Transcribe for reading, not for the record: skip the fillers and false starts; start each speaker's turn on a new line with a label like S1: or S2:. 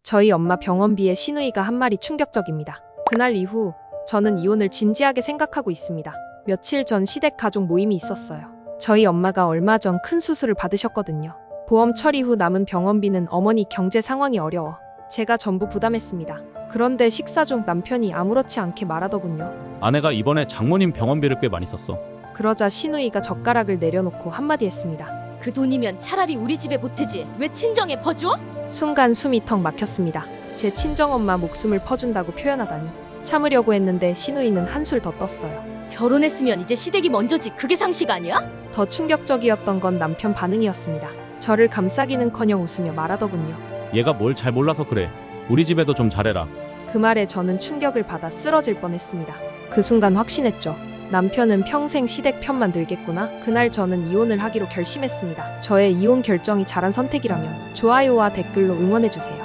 S1: 저희 엄마 병원비에 시누이가 한 말이 충격적입니다. 그날 이후 저는 이혼을 진지하게 생각하고 있습니다. 며칠 전 시댁 가족 모임이 있었어요. 저희 엄마가 얼마 전 큰 수술을 받으셨거든요. 보험 처리 후 남은 병원비는 어머니 경제 상황이 어려워 제가 전부 부담했습니다. 그런데 식사 중 남편이 아무렇지 않게 말하더군요.
S2: 아내가 이번에 장모님 병원비를 꽤 많이 썼어.
S1: 그러자 시누이가 젓가락을 내려놓고 한마디 했습니다.
S3: 그 돈이면 차라리 우리 집에 보태지 왜 친정에 퍼줘?
S1: 순간 숨이 턱 막혔습니다. 제 친정엄마 목숨을 퍼준다고 표현하다니. 참으려고 했는데 시누이는 한술 더 떴어요.
S3: 결혼했으면 이제 시댁이 먼저지 그게 상식 아니야?
S1: 더 충격적이었던 건 남편 반응이었습니다. 저를 감싸기는커녕 웃으며 말하더군요.
S2: 얘가 뭘 잘 몰라서 그래. 우리 집에도 좀 잘해라.
S1: 그 말에 저는 충격을 받아 쓰러질 뻔했습니다. 그 순간 확신했죠. 남편은 평생 시댁 편만 들겠구나. 그날 저는 이혼을 하기로 결심했습니다. 저의 이혼 결정이 잘한 선택이라면 좋아요와 댓글로 응원해주세요.